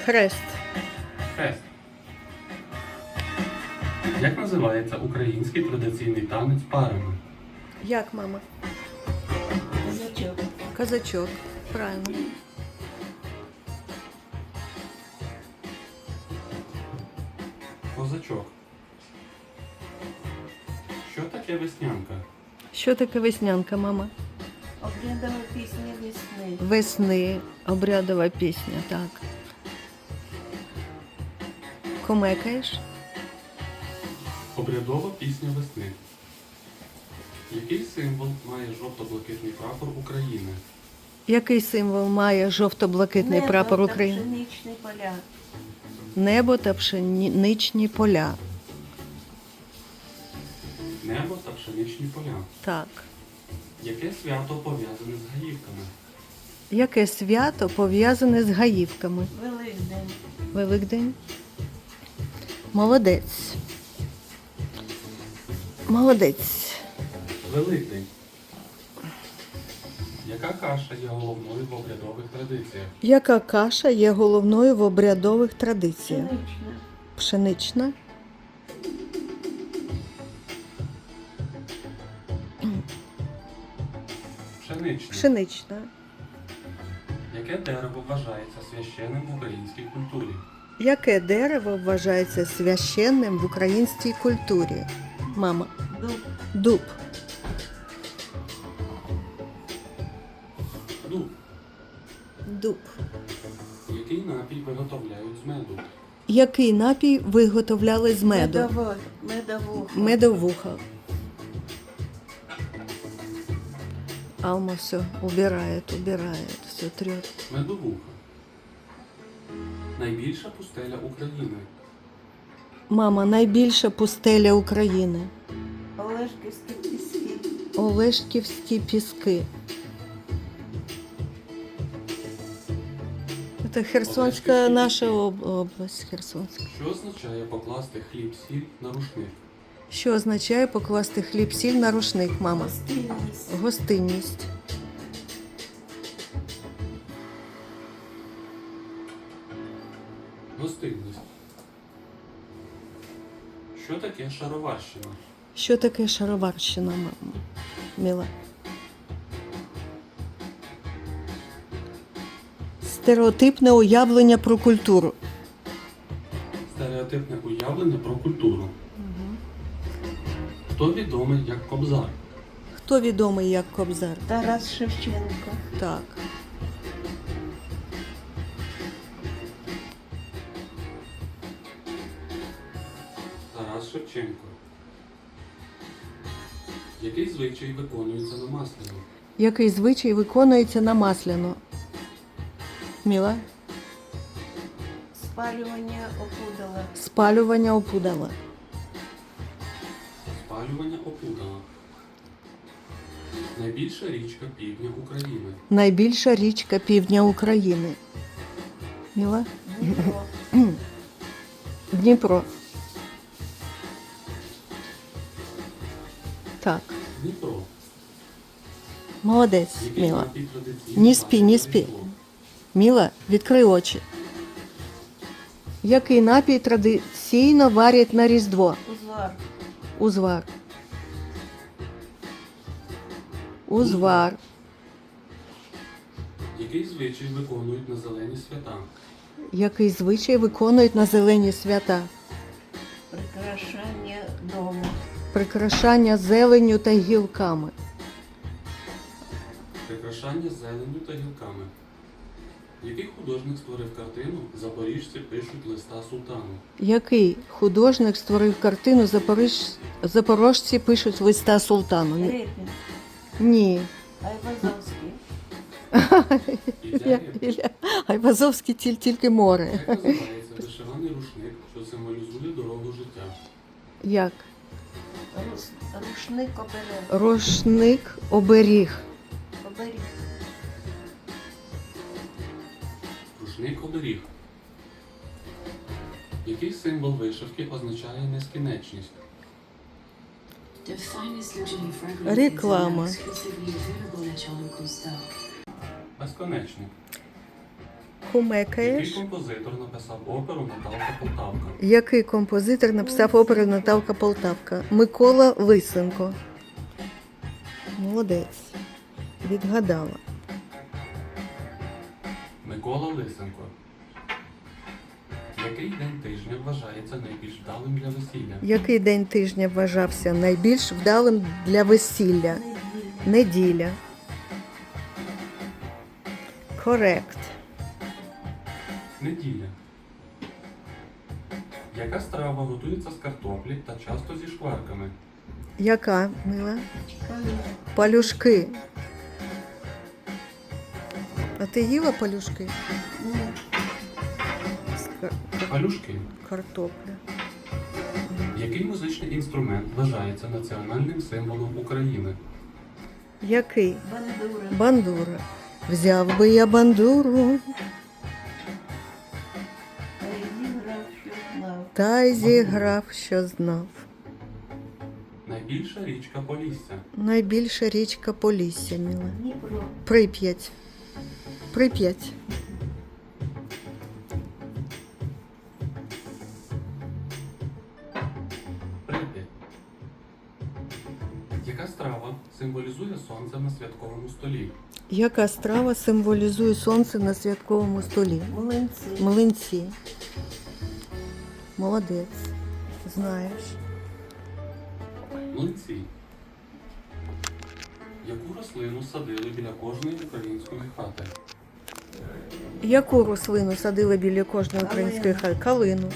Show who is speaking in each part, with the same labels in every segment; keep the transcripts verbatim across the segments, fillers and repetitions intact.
Speaker 1: Хрест.
Speaker 2: Хрест. Як називається український традиційний танець парами?
Speaker 1: Як, мама?
Speaker 3: Козачок.
Speaker 1: Казачок. Правильно.
Speaker 2: Козачок. Що таке веснянка?
Speaker 1: Що таке веснянка, мама?
Speaker 3: Обрядова пісня весни.
Speaker 1: Весни. Обрядова пісня, так. Комекаєш?
Speaker 2: Обрядова пісня весни. Який символ має жовто-блакитний прапор України?
Speaker 1: Який символ має жовто-блакитний
Speaker 3: Небо
Speaker 1: прапор
Speaker 3: та
Speaker 1: України?
Speaker 3: пшеничні поля.
Speaker 1: Небо та пшеничні поля.
Speaker 2: Небо та пшеничні поля.
Speaker 1: Так.
Speaker 2: Яке свято пов'язане з гаївками?
Speaker 1: Яке свято пов'язане з гаївками?
Speaker 3: Великдень.
Speaker 1: Великдень. Молодець. Молодець.
Speaker 2: Великдень. Яка каша є головною в обрядових традиціях?
Speaker 1: Яка каша є головною в обрядових традиціях?
Speaker 3: Пшенична.
Speaker 1: Пшенична.
Speaker 2: Пшенична.
Speaker 1: Пшенична.
Speaker 2: Яке дерево вважається священним в українській культурі?
Speaker 1: Яке дерево вважається священним в українській культурі? Мама.
Speaker 3: Дуб.
Speaker 1: Дуб.
Speaker 2: Дуб.
Speaker 1: Дуб.
Speaker 2: Який напій виготовляють з меду?
Speaker 1: Який напій виготовляли з меду?
Speaker 3: Медово- Медовуха.
Speaker 1: Медовуха. Алма все убирает, убирает, все трет.
Speaker 2: Медовуха. Найбільша пустеля України.
Speaker 1: Мама, найбільша пустеля України.
Speaker 3: Олешківські піски.
Speaker 1: Олешківські піски. Це Херсонська
Speaker 2: Олешківські
Speaker 1: наша
Speaker 2: піски.
Speaker 1: об- область. Херсонська.
Speaker 2: Що означає покласти хліб-сіль на рушник?
Speaker 1: Що означає покласти хліб-сіль на рушник, мама?
Speaker 3: Гостинність.
Speaker 1: Гостинність.
Speaker 2: Гостинність. Що таке шароварщина?
Speaker 1: Що таке шароварщина, мама? Міла? Стереотипне уявлення про культуру.
Speaker 2: Стереотипне уявлення про культуру. Хто відомий як Кобзар?
Speaker 1: Хто відомий як Кобзар?
Speaker 3: Тарас Шевченко.
Speaker 1: Так.
Speaker 2: Тарас Шевченко. Який звичай виконується на Масляну?
Speaker 1: Який звичай виконується на Масляну? Міла?
Speaker 3: Спалювання опудала.
Speaker 1: Спалювання опудала.
Speaker 2: Спалювання опудала. Найбільша річка півдня України.
Speaker 1: Найбільша річка півдня України. Міла?
Speaker 3: Дніпро.
Speaker 1: Дніпро. Так.
Speaker 2: Дніпро.
Speaker 1: Молодець,
Speaker 2: Який
Speaker 1: Міла.
Speaker 2: напій традиційний
Speaker 1: Ні спі, ні
Speaker 2: вважають
Speaker 1: спі.
Speaker 2: Різдвом?
Speaker 1: Міла, відкрий очі. Який напій традиційно варять на Різдво?
Speaker 3: Узвар.
Speaker 1: Узвар. Узвар.
Speaker 2: Який звичай виконують на зелені свята?
Speaker 1: Який звичай виконують на зелені свята?
Speaker 3: Прикрашання дому.
Speaker 1: Прикрашання зеленню та гілками.
Speaker 2: Прикрашання зеленню та гілками. Який художник створив картину «Запоріжці пишуть листа султану»?
Speaker 1: Який художник створив картину «Запоріж... Запорожці пишуть листа султану»? Ні.
Speaker 3: Репін.
Speaker 1: Ні.
Speaker 3: Айвазовський.
Speaker 2: Ілля
Speaker 1: Я-
Speaker 2: Репін.
Speaker 1: Ілля. Айвазовський тіль, тільки море.
Speaker 2: Як називається вишиваний рушник, що символізує дорогу життя?
Speaker 1: Як?
Speaker 3: Рус... Рушник оберег.
Speaker 1: Рушник оберіг.
Speaker 3: Оберіг.
Speaker 2: Рушник оберіг. Який символ вишивки означає нескінченність?
Speaker 1: Реклама.
Speaker 2: Безконечник. Який
Speaker 1: Кумекаєш?
Speaker 2: композитор написав оперу Наталка Полтавка?
Speaker 1: Який композитор написав оперу Наталка Полтавка? Микола Лисенко. Молодець. Відгадала.
Speaker 2: Микола Лисенко. Який день тижня вважається найбільш вдалим для весілля?
Speaker 1: Який день тижня вважався найбільш вдалим для весілля?
Speaker 3: Неділя.
Speaker 1: Неділя. Корект.
Speaker 2: Неділя. Яка страва готується з картоплі та часто зі шкварками?
Speaker 1: Яка, мила?
Speaker 3: Палюшка.
Speaker 1: Палюшки. А ти їла палюшки?
Speaker 3: Ну,
Speaker 1: З кар-
Speaker 2: Палюшки.
Speaker 1: картопля.
Speaker 2: Який музичний інструмент вважається національним символом України?
Speaker 1: Який?
Speaker 3: бандура.
Speaker 1: Бандура. Взяв би я бандуру,
Speaker 3: Та й зіграв, що знав.
Speaker 1: та й зіграв, що знав.
Speaker 2: Найбільша річка Полісся.
Speaker 1: Найбільша річка Полісся, мила.
Speaker 3: Дніпро.
Speaker 1: Прип'ять. Прип'ять.
Speaker 2: Прип'ять. Яка страва символізує сонце на святковому столі?
Speaker 1: Яка страва символізує сонце на святковому столі?
Speaker 3: Млинці.
Speaker 1: Млинці. Молодець. Знаєш.
Speaker 2: Млинці. Яку рослину садили біля кожної української хати?
Speaker 1: Яку рослину садили біля кожної української хати? Калину.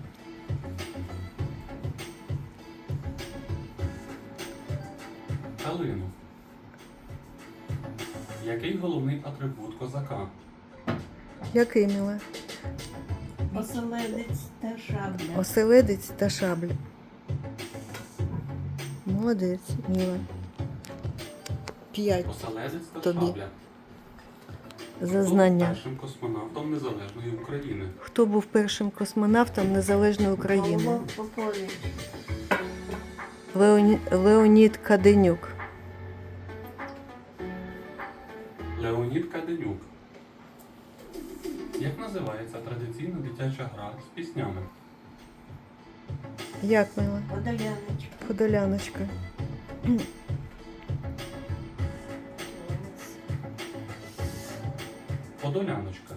Speaker 2: Калину. Який головний атрибут козака?
Speaker 1: Який, мила?
Speaker 3: Оселедець та шабля.
Speaker 1: Оселедець та шабля. Молодець, мила. П'ять
Speaker 2: Оселедець та
Speaker 1: Тобі.
Speaker 2: шабля.
Speaker 1: за
Speaker 2: Хто був
Speaker 1: знання.
Speaker 2: першим космонавтом Незалежної України?
Speaker 1: Хто був першим космонавтом Незалежної України?
Speaker 3: Павло Попович.
Speaker 1: Леоні... Леонід Каденюк.
Speaker 2: Леонід Каденюк. Як називається традиційна дитяча гра з піснями?
Speaker 1: Як, мила?
Speaker 3: Подоляночка.
Speaker 1: Подоляночка.
Speaker 2: Подоляночка.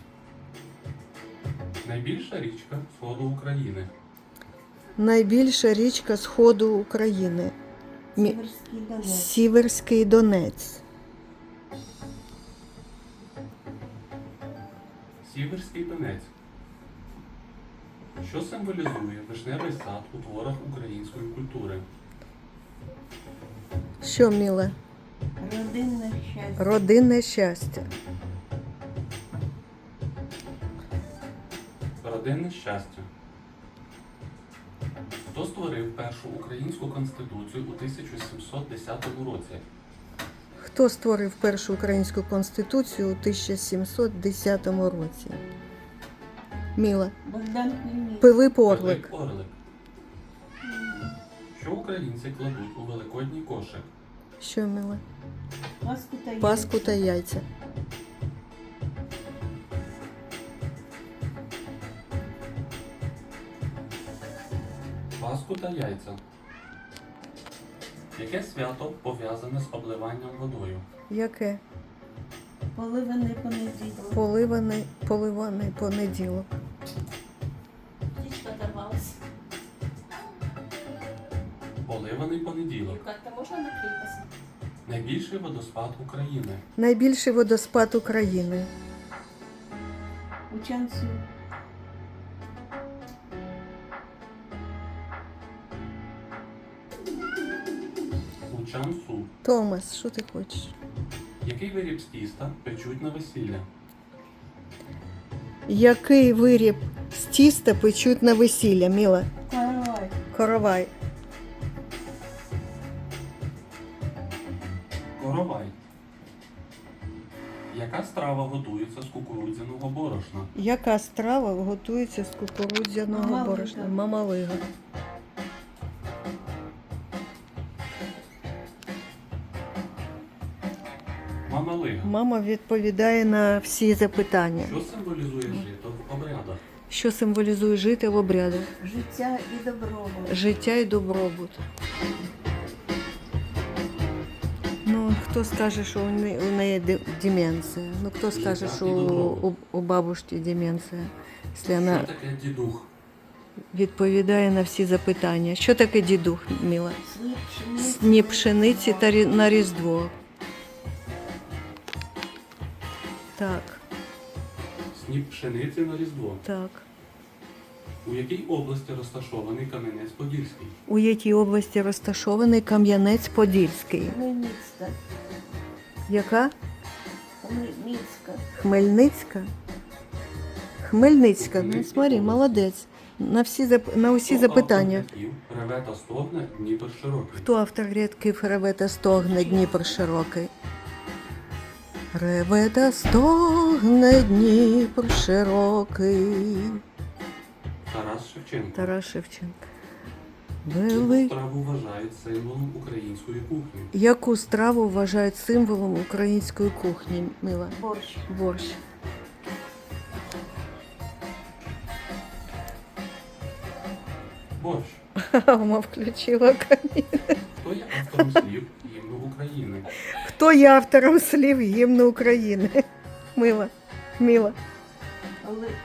Speaker 2: Найбільша річка сходу України.
Speaker 1: Найбільша річка Сходу України. Мі-
Speaker 3: Сіверський Донець.
Speaker 1: Сіверський Донець.
Speaker 2: Сіверський Донець. Що символізує вишневий сад у творах української культури?
Speaker 1: Що, мила?
Speaker 3: Родинне щастя.
Speaker 1: Родинне щастя.
Speaker 2: Родинне щастя. Хто створив першу українську конституцію у тисяча сімсот десятому році?
Speaker 1: Хто створив першу українську конституцію у тисяча сімсот десятому році? Міла.
Speaker 3: Богдан Хмельницький.
Speaker 1: Пилип Орлик.
Speaker 2: Пилип Орлик. Що українці кладуть у великодній кошик?
Speaker 1: Що, мила?
Speaker 3: Паску та яйця.
Speaker 1: Паску та яйця.
Speaker 2: Паску та яйця. Яке свято пов'язане з обливанням водою?
Speaker 1: Яке?
Speaker 3: Поливаний понеділок.
Speaker 1: Поливаний, поливаний понеділок.
Speaker 4: Птичка оторвалась.
Speaker 2: Поливаний понеділок.
Speaker 4: Как-то можно наклеить?
Speaker 2: Найбільший водоспад України.
Speaker 1: Найбільший водоспад України.
Speaker 3: У Чансу.
Speaker 2: У Чансу.
Speaker 1: Томас, що ти хочеш?
Speaker 2: Який виріб з тіста печуть на весілля?
Speaker 1: Який виріб з тіста печуть на весілля, Міла?
Speaker 3: Каравай.
Speaker 1: Коровай.
Speaker 2: Коровай. Яка страва готується з кукурудзяного борошна?
Speaker 1: Яка страва готується з кукурудзяного
Speaker 3: Мамалига.
Speaker 1: борошна? Мамалига.
Speaker 2: Мама Галига.
Speaker 1: Мама відповідає на всі запитання.
Speaker 2: Що символізує жито в обрядах?
Speaker 1: Що символізує жити в обрядах?
Speaker 3: Життя і добробут.
Speaker 1: Життя і добробут. Ну, хто скаже, що у неї, у неї де- деменція? Ну, хто скаже,
Speaker 2: Життя
Speaker 1: що
Speaker 2: і
Speaker 1: у,
Speaker 2: добробут.
Speaker 1: у бабушки деменція? Якщо вона
Speaker 2: Що таке дідух?
Speaker 1: відповідає на всі запитання. Що таке дідух, Міла?
Speaker 3: Сніп пшениці.
Speaker 1: Сні пшениці та рі- на Різдво. Так,
Speaker 2: Сніп пшениці на Різдво.
Speaker 1: так.
Speaker 2: У якій області розташований Кам'янець-Подільський?
Speaker 1: У якій області розташований Кам'янець-Подільський?
Speaker 3: Хмельницька.
Speaker 1: Яка?
Speaker 3: Хмельницька.
Speaker 1: Хмельницька? Хмельницька. Ну,
Speaker 2: Хмельницькій
Speaker 1: смотри,
Speaker 2: області.
Speaker 1: молодець. На всі зап... на усі
Speaker 2: Хто
Speaker 1: запитання.
Speaker 2: автор рядків «Реве та стогне Дніпр широкий»?
Speaker 1: Хто автор рядків «Реве та стогне Дніпр широкий»? Реве та стогне Дніпр широкий.
Speaker 2: Тарас Шевченко.
Speaker 1: Тарас Шевченко.
Speaker 2: Яку
Speaker 1: Вели...
Speaker 2: страву вважають символом української кухні?
Speaker 1: Яку страву вважають символом української кухні, Мила?
Speaker 3: Борщ.
Speaker 1: Борщ.
Speaker 2: Борщ.
Speaker 1: Мама включила камін.
Speaker 2: Хто є автором слів гімну України?
Speaker 1: Хто є автором слів гімну України? Мила. Мила.
Speaker 3: Але е,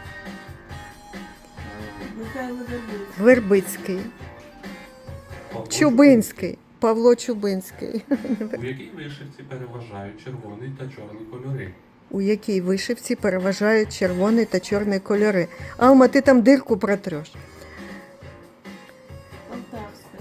Speaker 3: Михайло Вербицький.
Speaker 1: Вербицький.
Speaker 2: Павло
Speaker 1: Чубинський. Павло Чубинський.
Speaker 2: Чубинський. У якій вишивці переважають червоний та чорний кольори?
Speaker 1: У якій вишивці переважають червоний та чорний кольори. Алма, ти там дирку протреш.
Speaker 3: Полтавська.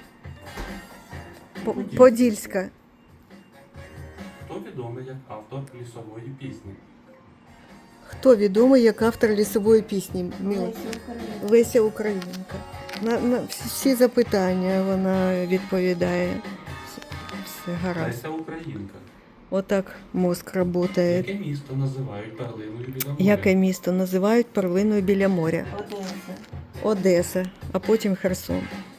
Speaker 1: По- Подільська.
Speaker 2: Хто відомий як автор лісової пісні?
Speaker 1: Хто відомий як автор лісової пісні? Мила.
Speaker 3: Леся Українка.
Speaker 1: Леся Українка. На, на всі запитання вона відповідає. Все, все гаразд.
Speaker 2: Леся Українка.
Speaker 1: Отак мозк працює.
Speaker 2: Яке місто називають перлиною біля моря?
Speaker 1: Яке місто називають перлиною біля моря?
Speaker 3: Одеса.
Speaker 1: Одеса, а потім Херсон.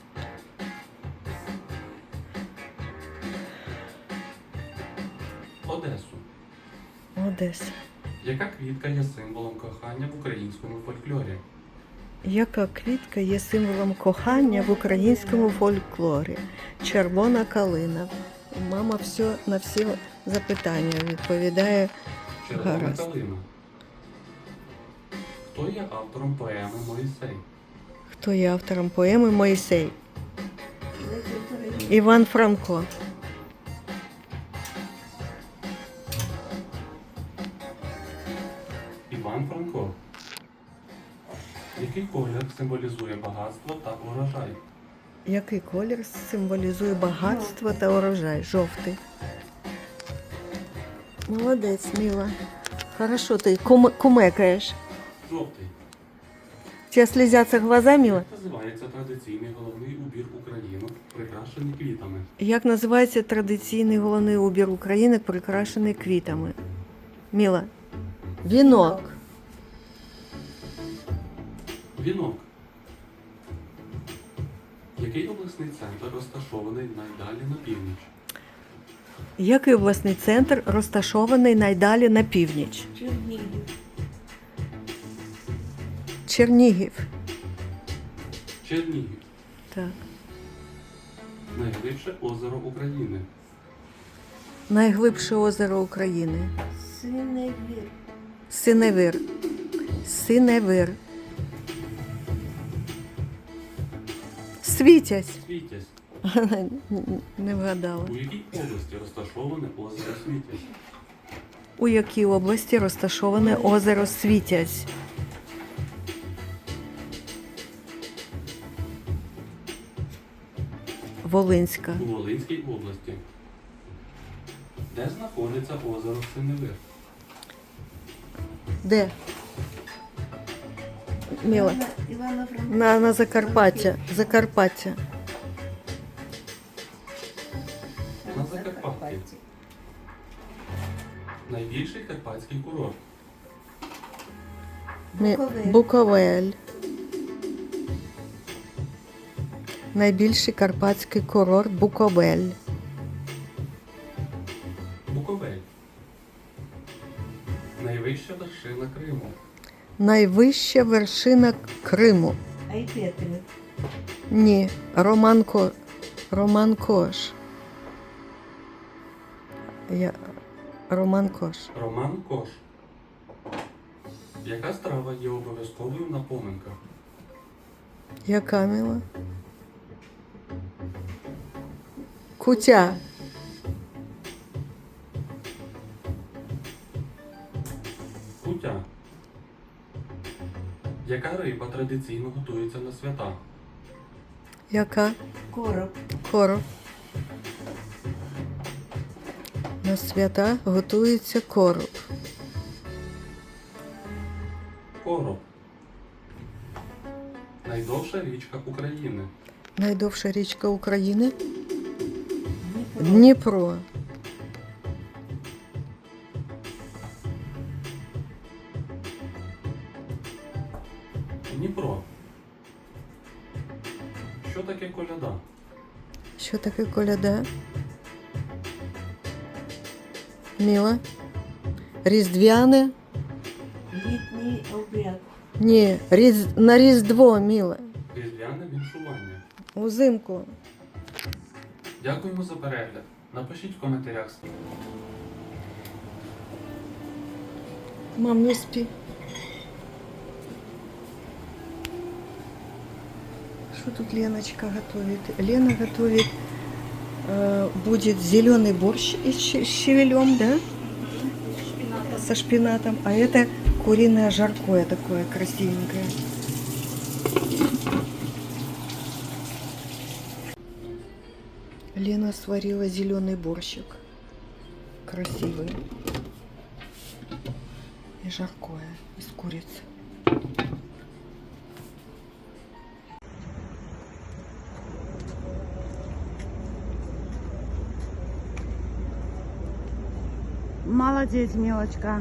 Speaker 2: Одесу.
Speaker 1: Одеса.
Speaker 2: Яка квітка є символом кохання в українському фольклорі?
Speaker 1: Яка квітка є символом кохання в українському фольклорі? Червона калина. Мама все на всі запитання відповідає.
Speaker 2: Червона
Speaker 1: Гаразд.
Speaker 2: калина. Хто є автором поеми Моїсей?
Speaker 1: Хто є автором поеми Моїсей?
Speaker 3: Леся Українка.
Speaker 1: Іван Франко.
Speaker 2: Іван Франко. Який колір символізує багатство та урожай?
Speaker 1: Який колір символізує багатство та урожай? Жовтий. Молодець, Міла. Хорошо, ти кум- кумекаєш.
Speaker 2: Жовтий.
Speaker 1: У тебе слізяться глаза, Міла?
Speaker 2: Як називається традиційний головний убір України, прикрашений квітами?
Speaker 1: Як називається традиційний головний убір України, прикрашений квітами? Міла. Вінок.
Speaker 2: Вінок. Який обласний центр розташований найдалі на північ?
Speaker 1: Який обласний центр розташований найдалі на північ?
Speaker 3: Чернігів.
Speaker 1: Чернігів.
Speaker 2: Чернігів.
Speaker 1: Так.
Speaker 2: Найглибше озеро України.
Speaker 1: Найглибше озеро України.
Speaker 3: Синевір.
Speaker 1: Синевир. Синевир. Світязь.
Speaker 2: Світязь.
Speaker 1: Не вгадала.
Speaker 2: У якій області розташоване озеро Світязь?
Speaker 1: У якій області розташоване озеро Світязь? Волинська.
Speaker 2: У Волинській області. Де знаходиться озеро Синевир?
Speaker 1: Де? Міла.
Speaker 3: Івана- Івана Франка.
Speaker 1: На, на Закарпаття. Закарпаття.
Speaker 2: На Закарпатті. Найбільший карпатський курорт.
Speaker 1: Мі-
Speaker 3: Буковель.
Speaker 1: Буковель. Найбільший карпатський курорт Буковель.
Speaker 2: Буковель.
Speaker 1: Найвища вершина Криму.
Speaker 3: Айпетри.
Speaker 1: Ні, Роман, Ко... Роман Кош. Я... Роман Кош.
Speaker 2: Роман Кош. Яка страва є обов'язковою на поминках?
Speaker 1: Яка мила? Кутя.
Speaker 2: Кутя. Яка риба традиційно готується на свята?
Speaker 1: Яка?
Speaker 3: Короб.
Speaker 1: Короб. На свята готується короб.
Speaker 2: Короб. Найдовша річка України.
Speaker 1: Найдовша річка України?
Speaker 3: Дніпро.
Speaker 1: Дніпро.
Speaker 2: Дніпро. Що таке коляда?
Speaker 1: Що таке коляда? Міла? Різдвяне?
Speaker 3: Літній обряд.
Speaker 1: Ні, різ... на Різдво, Міла.
Speaker 2: Різдвяне віншування.
Speaker 1: Узимку.
Speaker 2: Дякуємо за перегляд. Напишіть в коментарях.
Speaker 1: Мам, не спи. Что тут Леночка готовит? Лена готовит, э, будет зеленый борщ с щ- щавелем, да? Со шпинатом. А это куриное жаркое такое красивенькое. Лена сварила зеленый борщик. Красивый. И жаркое из курицы.
Speaker 4: Молодец, мелочка.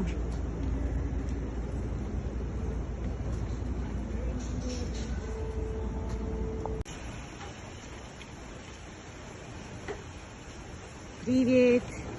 Speaker 4: Привет.